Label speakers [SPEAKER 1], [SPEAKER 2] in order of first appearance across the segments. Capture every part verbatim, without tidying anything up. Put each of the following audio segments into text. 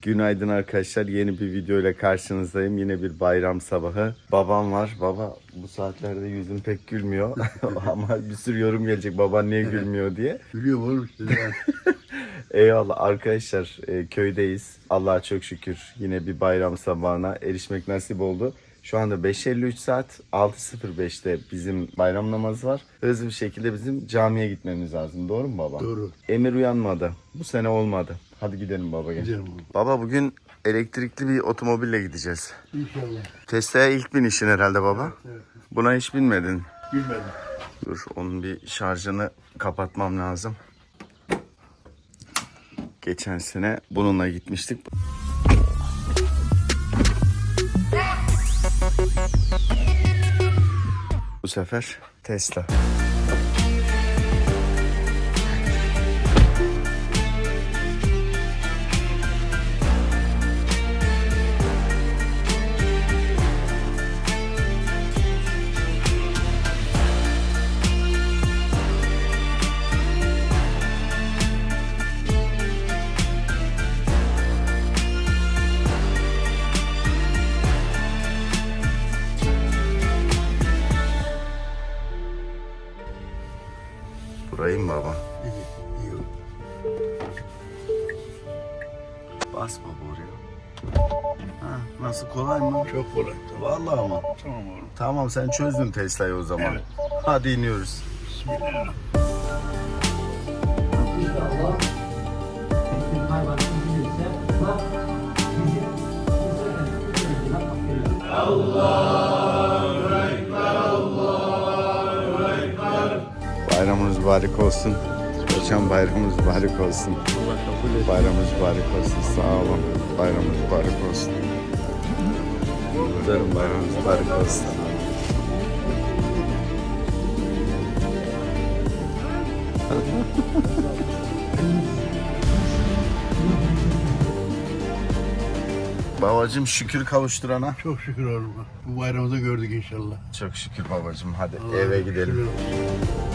[SPEAKER 1] Günaydın arkadaşlar. Yeni bir video ile karşınızdayım. Yine bir bayram sabahı. Babam var. Baba bu saatlerde yüzün pek gülmüyor. Ama bir sürü yorum gelecek. Baban niye gülmüyor diye.
[SPEAKER 2] Gülüyor oğlum işte.
[SPEAKER 1] Eyvallah arkadaşlar, e, köydeyiz. Allah'a çok şükür yine bir bayram sabahına erişmek nasip oldu. Şu anda beş elli üç saat, altı sıfır beşte bizim bayram namazı var. Hızlı bir şekilde bizim camiye gitmemiz lazım. Doğru mu baba?
[SPEAKER 2] Doğru.
[SPEAKER 1] Emir uyanmadı. Bu sene olmadı. Hadi gidelim baba. Gel.
[SPEAKER 2] Gidelim oğlum.
[SPEAKER 1] Baba bugün elektrikli bir otomobille gideceğiz.
[SPEAKER 2] İnşallah.
[SPEAKER 1] Tesla'ya ilk binişin herhalde baba.
[SPEAKER 2] Evet.
[SPEAKER 1] Buna hiç binmedin.
[SPEAKER 2] Bilmedim.
[SPEAKER 1] Dur, onun bir şarjını kapatmam lazım. Geçen sene bununla gitmiştik. Bu sefer Tesla. Burayı mı baba?
[SPEAKER 2] İyi, iyi.
[SPEAKER 1] Bas baba oraya. Ha, nasıl, kolay mı?
[SPEAKER 2] Çok kolay.
[SPEAKER 1] Vallahi ama.
[SPEAKER 2] Tamam oğlum.
[SPEAKER 1] Tamam, sen çözdün Tesla'yı o zaman.
[SPEAKER 2] Evet.
[SPEAKER 1] Hadi iniyoruz.
[SPEAKER 2] Bismillahirrahmanirrahim.
[SPEAKER 3] İnşallah bütün hayvanın bilirse bak bizim
[SPEAKER 1] Allahu Ekber, Allahu Ekber. Bayramınız mübarek olsun. Hocam bayramınız mübarek olsun.
[SPEAKER 2] Allah kabul et.
[SPEAKER 1] Bayramınız mübarek olsun. Sağ olun. Bayramınız mübarek olsun. Kutlarım, bayramınız mübarek olsun. Babacım şükür kavuşturana.
[SPEAKER 2] Çok şükür oğlum. Bu bayramda gördük inşallah.
[SPEAKER 1] Çok şükür babacım. Hadi
[SPEAKER 2] Allah
[SPEAKER 1] eve gidelim.
[SPEAKER 2] şükür olsun.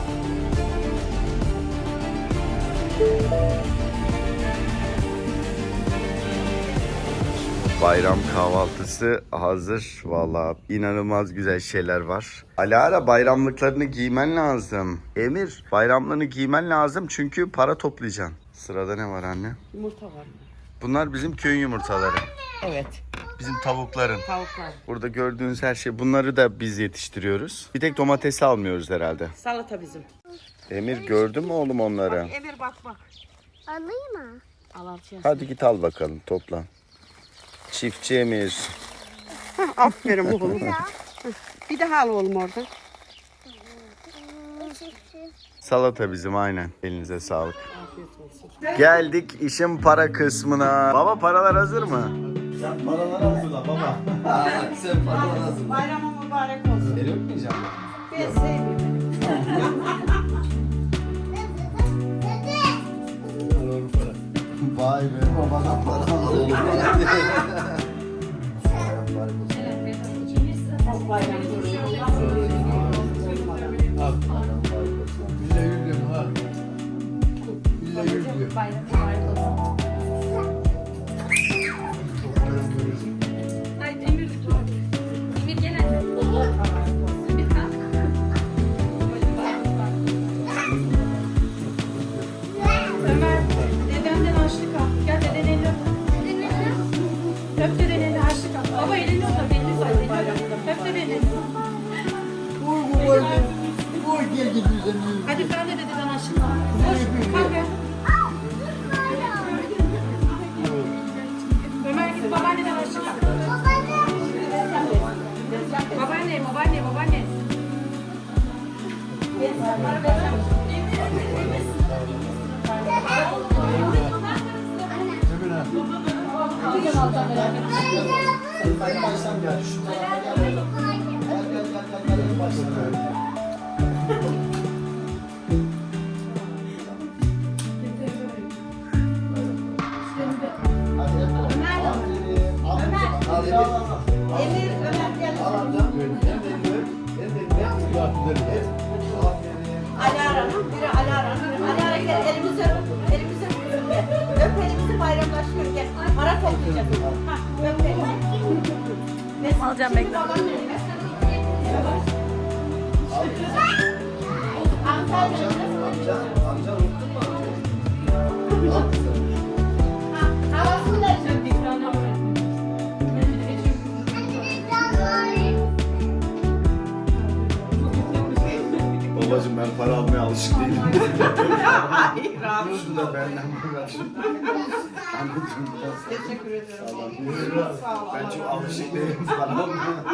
[SPEAKER 1] Bayram kahvaltısı hazır. Vallahi inanılmaz güzel şeyler var. Alara, bayramlıklarını giymen lazım. Emir, bayramlığını giymen lazım çünkü para toplayacaksın. Sırada ne var anne?
[SPEAKER 4] Yumurta var mı?
[SPEAKER 1] Bunlar bizim köyün yumurtaları.
[SPEAKER 4] Evet.
[SPEAKER 1] Bizim tavukların.
[SPEAKER 4] Tavuklar.
[SPEAKER 1] Burada gördüğünüz her şey, bunları da biz yetiştiriyoruz. Bir tek domatesi almıyoruz herhalde.
[SPEAKER 4] Salata bizim.
[SPEAKER 1] Emir, gördün mü oğlum onları?
[SPEAKER 4] Emir bak bak.
[SPEAKER 5] Alayım mı?
[SPEAKER 4] Al alçıya.
[SPEAKER 1] Hadi git al bakalım, topla. Çiftçi Emir.
[SPEAKER 4] Aferin oğlum. Bir daha al oğlum orada.
[SPEAKER 1] Salata bizim, aynen. Elinize sağlık.
[SPEAKER 4] Afiyet olsun.
[SPEAKER 1] Geldik işin para kısmına. Baba, paralar hazır mı? Sen paraları hazırla baba. Sen paraları hazırla.
[SPEAKER 4] Bayramın mübarek olsun.
[SPEAKER 1] El öpmeyeceğim
[SPEAKER 4] Ben sevmiyorum.
[SPEAKER 2] Al oğlum para.
[SPEAKER 1] ben. Vay be, babadan para alalım.
[SPEAKER 4] Bayram
[SPEAKER 2] Al. Billahi yüz lira al. Billahi yüz lira.
[SPEAKER 6] Haydi Emir lütfen. Emir gel anne. Emir kalk. Ömer, dedenden harçlık al. Gel deden elini öp. Öp deden elini harçlık al. Baba elini öp. Elini say. Öp deden elini.
[SPEAKER 2] Vur bu var. Vur gel git bize.
[SPEAKER 6] Hadi ben de dededen harçlık al. Koş. Kalk gel. Ömer git babaanneden harçlık al. Babaanne, babaanne, babaanne.
[SPEAKER 4] Emir, Ömer gel. Alara'nın, biri Alara'nın, biri Alara gel elimizi öp, elimizi öp, öp elimizi bayramlaşıyor gel. Para topla.
[SPEAKER 6] Ha, öpeyim.
[SPEAKER 5] Alacağım bekle.
[SPEAKER 1] Babacım ben para almaya alışık değilim.
[SPEAKER 4] Hayır abi.
[SPEAKER 1] Şunu da benden bırakın. Anneciğim biraz
[SPEAKER 4] Teşekkür ederim.
[SPEAKER 1] sağ olun.
[SPEAKER 4] Sağ ol.
[SPEAKER 1] Ben çok alışık değilim para almaya.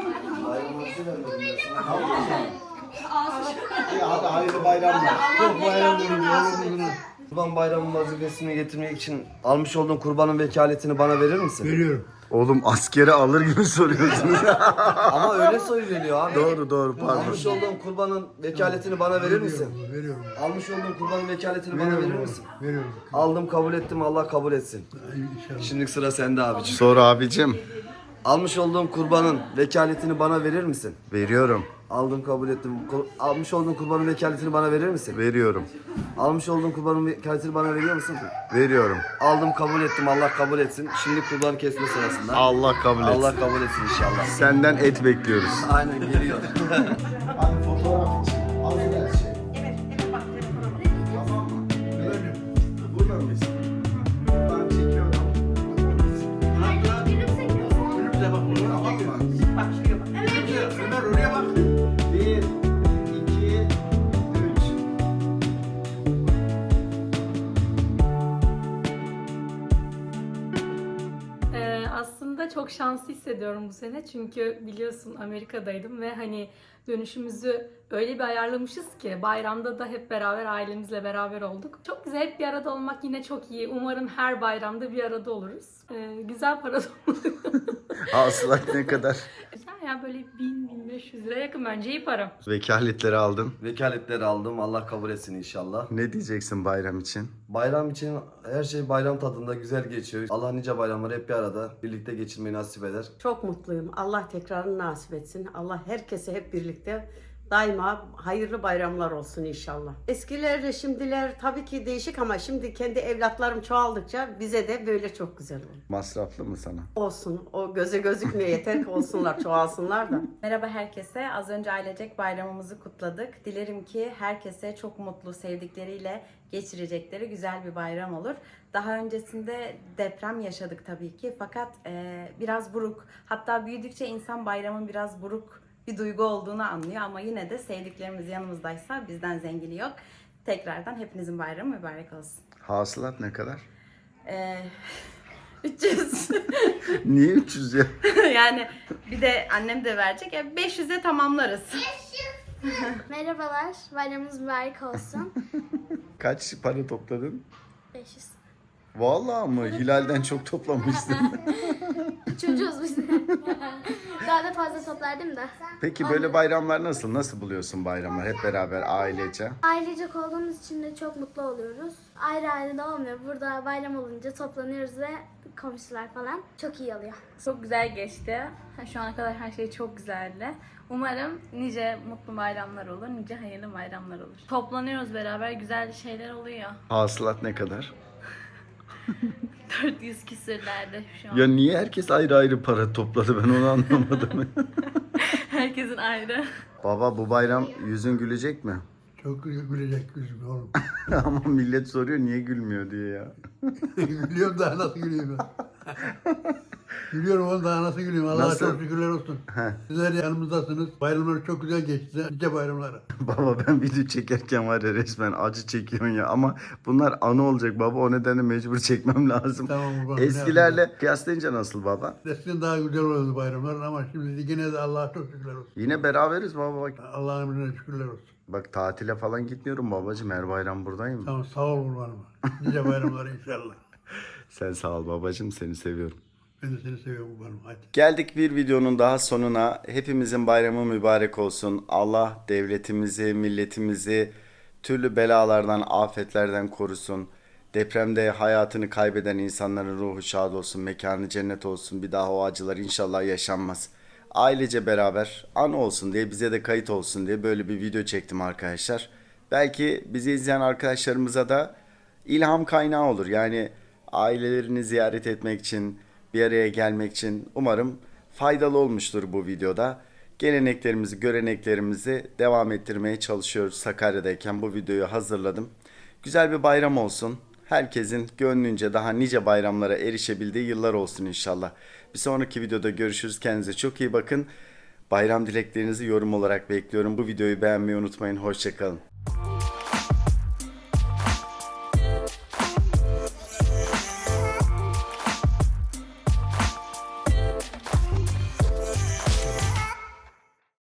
[SPEAKER 1] Tamam mı? İyi, hadi hayırlı bayramlar.
[SPEAKER 2] Çok bayram günü, bayram günü.
[SPEAKER 7] Kurban bayramı vazifesini getirmek için almış olduğun kurbanın vekaletini bana verir misin?
[SPEAKER 2] Veriyorum.
[SPEAKER 1] Oğlum askere alır gibi soruyorsun.
[SPEAKER 7] Ama öyle söyleniyor abi.
[SPEAKER 1] Doğru doğru pardon.
[SPEAKER 7] Almış olduğun kurbanın vekaletini bana verir misin?
[SPEAKER 2] Veriyorum, veriyorum.
[SPEAKER 7] Almış olduğun kurbanın vekaletini bana verir
[SPEAKER 2] Veriyorum,
[SPEAKER 7] misin?
[SPEAKER 2] veriyorum.
[SPEAKER 7] Aldım kabul ettim Allah kabul etsin.
[SPEAKER 2] Ay, İnşallah.
[SPEAKER 7] Şimdi sıra sende abiciğim.
[SPEAKER 1] Sor abicim.
[SPEAKER 7] Almış olduğum kurbanın vekaletini bana verir misin?
[SPEAKER 1] Veriyorum.
[SPEAKER 7] Aldım kabul ettim. Kur- Almış olduğun kurbanın vekaletini bana verir misin?
[SPEAKER 1] Veriyorum.
[SPEAKER 7] Almış olduğun kurbanın vekaletini bana veriyor musun?
[SPEAKER 1] Veriyorum.
[SPEAKER 7] Aldım kabul ettim Allah kabul etsin. Şimdi kurban kesme sırasında.
[SPEAKER 1] Allah kabul etsin.
[SPEAKER 7] Allah kabul etsin inşallah.
[SPEAKER 1] Senden et bekliyoruz.
[SPEAKER 7] Aynen geliyor.
[SPEAKER 1] Abi fotoğraf için. Al her şey.
[SPEAKER 4] Evet, evet bak telefona bak.
[SPEAKER 1] Tamam mı? Burada mıyız? Ben çekiyorum.
[SPEAKER 2] Önümüze bak, oğlum.
[SPEAKER 1] Tamam mı?
[SPEAKER 4] Bak şuraya bak.
[SPEAKER 2] Ömer oraya bak.
[SPEAKER 1] Bir, iki, üç.
[SPEAKER 5] Ee, aslında çok şanslı hissediyorum bu sene çünkü biliyorsun Amerika'daydım ve hani dönüşümüzü öyle bir ayarlamışız ki bayramda da hep beraber ailemizle beraber olduk. Çok güzel, hep bir arada olmak yine çok iyi. Umarım her bayramda bir arada oluruz. Ee, güzel para topladık.
[SPEAKER 1] Hasılat ne kadar?
[SPEAKER 5] Güzel ya, böyle bin bin beş yüz lira yakın, bence iyi para.
[SPEAKER 1] Vekaletleri aldın.
[SPEAKER 7] Vekaletleri aldım. Allah kabul etsin inşallah.
[SPEAKER 1] Ne diyeceksin bayram için?
[SPEAKER 7] Bayram için her şey bayram tadında güzel geçiyor. Allah nice bayramları hep bir arada birlikte geçirmeyi nasip eder.
[SPEAKER 4] Çok mutluyum. Allah tekrarını nasip etsin. Allah herkese hep birlikte daima hayırlı bayramlar olsun inşallah. Eskilerle şimdiler tabii ki değişik ama şimdi kendi evlatlarım çoğaldıkça bize de böyle çok güzel olur.
[SPEAKER 1] Masraflı mı sana?
[SPEAKER 4] Olsun. O göze gözükmüyor. Yeter ki olsunlar, çoğalsınlar da.
[SPEAKER 8] Merhaba herkese. Az önce ailecek bayramımızı kutladık. Dilerim ki herkese çok mutlu, sevdikleriyle geçirecekleri güzel bir bayram olur. Daha öncesinde deprem yaşadık tabii ki. Fakat e, biraz buruk, hatta büyüdükçe insan bayramın biraz buruk bir duygu olduğunu anlıyor. Ama yine de sevdiklerimiz yanımızdaysa bizden zengini yok. Tekrardan hepinizin bayramı mübarek olsun.
[SPEAKER 1] Hasılat ne kadar?
[SPEAKER 8] E, üç yüz.
[SPEAKER 1] Niye üç yüz ya?
[SPEAKER 8] Yani bir de annem de verecek. E, beş yüze tamamlarız.
[SPEAKER 9] Merhabalar, bayramınız mübarek olsun.
[SPEAKER 1] Kaç para topladın?
[SPEAKER 9] beş yüz.
[SPEAKER 1] Vallahi mı? Hilal'den çok toplamışsın.
[SPEAKER 9] Çocuğuz biz. Daha da fazla toplardım da.
[SPEAKER 1] Peki böyle bayramlar nasıl? Nasıl buluyorsun bayramlar? Hep beraber ailece.
[SPEAKER 9] Ailecek olduğumuz için de çok mutlu oluyoruz. Ayrı ayrı da olmuyor. Burada bayram olunca toplanıyoruz ve komşular falan çok iyi oluyor.
[SPEAKER 5] Çok güzel geçti. Şu ana kadar her şey çok güzeldi. Umarım nice mutlu bayramlar olur, nice hayırlı bayramlar olur. Toplanıyoruz beraber, güzel şeyler oluyor.
[SPEAKER 1] Hasılat ne kadar?
[SPEAKER 5] dört yüz küsürlerde şu an.
[SPEAKER 1] Ya niye herkes ayrı ayrı para topladı, ben onu anlamadım.
[SPEAKER 5] Herkesin ayrı.
[SPEAKER 1] Baba bu bayram yüzün gülecek mi?
[SPEAKER 2] Çok gü- gülecek yüzüm oğlum.
[SPEAKER 1] Ama millet soruyor niye gülmüyor diye ya.
[SPEAKER 2] Gülüyorum daha nasıl gülüyorum ben. Gülüyorum oğlum daha nasıl gülüyorum. Allah'a
[SPEAKER 1] Nasıl?
[SPEAKER 2] çok şükürler olsun. Sizler yanımızdasınız. Bayramlar çok güzel geçti. Nice bayramlara.
[SPEAKER 1] Baba ben video çekerken var ya resmen acı çekiyorsun ya, ama bunlar anı olacak baba, o nedenle mecbur çekmem lazım.
[SPEAKER 2] Tamam baba.
[SPEAKER 1] Eskilerle kıyaslayınca nasıl baba?
[SPEAKER 2] Eskiden daha güzel oluyordu bayramlar ama şimdi yine de Allah'a çok şükürler olsun.
[SPEAKER 1] Yine beraberiz baba bak.
[SPEAKER 2] Allah'ın emrine şükürler olsun.
[SPEAKER 1] Bak tatile falan gitmiyorum babacığım, her bayram buradayım.
[SPEAKER 2] Tamam sağ ol kurbanım. Nice bayramlar inşallah.
[SPEAKER 1] Sen sağ ol babacığım, seni seviyorum.
[SPEAKER 2] Ben de seni seviyorum kurbanım. Hadi.
[SPEAKER 1] Geldik bir videonun daha sonuna. Hepimizin bayramı mübarek olsun. Allah devletimizi, milletimizi türlü belalardan, afetlerden korusun. Depremde hayatını kaybeden insanların ruhu şad olsun, mekanı cennet olsun. Bir daha o acılar inşallah yaşanmaz. Ailece beraber anı olsun diye, bize de kayıt olsun diye böyle bir video çektim arkadaşlar. Belki bizi izleyen arkadaşlarımıza da ilham kaynağı olur. Yani ailelerini ziyaret etmek için, bir araya gelmek için umarım faydalı olmuştur bu videoda. Geleneklerimizi, göreneklerimizi devam ettirmeye çalışıyoruz. Sakarya'dayken bu videoyu hazırladım. Güzel bir bayram olsun. Herkesin gönlünce daha nice bayramlara erişebildiği yıllar olsun inşallah. Bir sonraki videoda görüşürüz. Kendinize çok iyi bakın. Bayram dileklerinizi yorum olarak bekliyorum. Bu videoyu beğenmeyi unutmayın. Hoşça kalın.